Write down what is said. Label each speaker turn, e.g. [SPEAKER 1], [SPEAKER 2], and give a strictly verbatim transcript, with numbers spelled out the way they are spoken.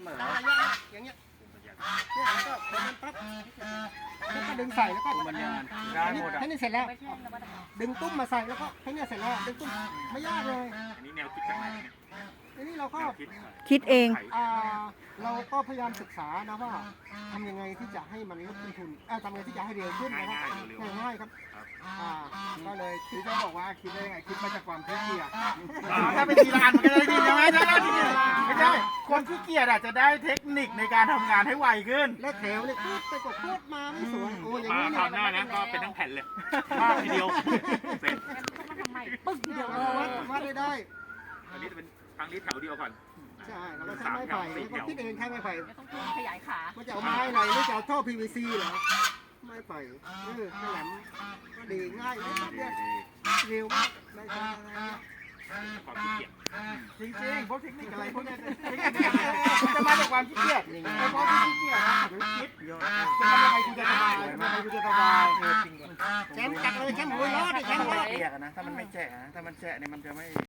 [SPEAKER 1] มอ
[SPEAKER 2] ตั้งระยะอย่างเงี้ยเนี่ยแล้วก็พอมันปั๊บแล้วก็ดึงใส่แล้วก็
[SPEAKER 1] ตุ้มบรรยาน
[SPEAKER 2] ได้หมดอ่ะแค่นี้เสร็จแล้ว
[SPEAKER 3] ไม่ใช่นวัตกรรม
[SPEAKER 2] ดึงตุ้มมาใส่แล้วก็แค่นี้เสร็จแล้วดึงตุ้มไม่ยากเลย
[SPEAKER 4] อันนี้แนวคิดจากไหนเนี่ย
[SPEAKER 2] ทีนี้เราก็
[SPEAKER 4] แนวคิด
[SPEAKER 5] คิดเอง
[SPEAKER 2] อ่าเราก็พยายามศึกษานะว่าทำยังไงที่จะให้มันลดต้นทุนเอ่อทำยังไงที่จะให้เร็วขึ้นนะครับ
[SPEAKER 4] ง่ายๆเร็วๆ
[SPEAKER 2] ง่ายๆครับอ่าก็เลยคือจะบอกว่าคิดได้ไงคิดมาจากความขี้เกียจ
[SPEAKER 1] ถ้าเป็นทีละอันมันก็ได้ดีใช่ไหมใช่ไหมไม่ใช่คนขี้เกียจอาจจะได้เทคนิคในการทำงานให้ไวขึ้น
[SPEAKER 2] แล้วแถวเนี่ยพูดไปกดพูดมาไม่สวยโอ้ยอย่าง
[SPEAKER 4] มา
[SPEAKER 2] นี้
[SPEAKER 4] ค
[SPEAKER 2] เนี่
[SPEAKER 4] ราวย หน้านะก็เป็นทั้งแผ่นเลยทีเดียวเสร็จ
[SPEAKER 3] งั้นต้องมาทำใหม่ปึ้งเดียวเล
[SPEAKER 2] วัด
[SPEAKER 3] ย
[SPEAKER 2] วัดได้ได้
[SPEAKER 4] อันนี้จะเป็นทางนี้แถวเดียวก่อน
[SPEAKER 2] ใช่แล้วก็ใช้ไม้ไผ่แล้วก็คิดเองใช้ไม้ไผ่
[SPEAKER 3] ไม่ต้องทุ่มขยายขา
[SPEAKER 2] มันจะเอาไม้อะไรหรือจะเอาท่อ พี วี ซี เหรอไม้ไผ่เออขยำก็ดีง่ายเลยเนี่ยเร็วมากได้ใช้อะไรเนี่ย
[SPEAKER 4] ความขี้เกียจ
[SPEAKER 1] จริงๆพวกเทคนิคอะไรพวกเนี้ยเทคนิคเนี่ยจะมาจากความขี้เกียจแต่เพราะที่ขี้เกียจนะหรือคิดจะทำยังไงกูจะสบายทำยังไงกูจะสบาย
[SPEAKER 2] แชมป์จัดเลยแชมป์หัวล้อดิแชมป์หัวล้อ
[SPEAKER 1] เปียกนะถ้ามันไม่แฉะนะถ้ามันแฉะเนี่ยมันจะไม่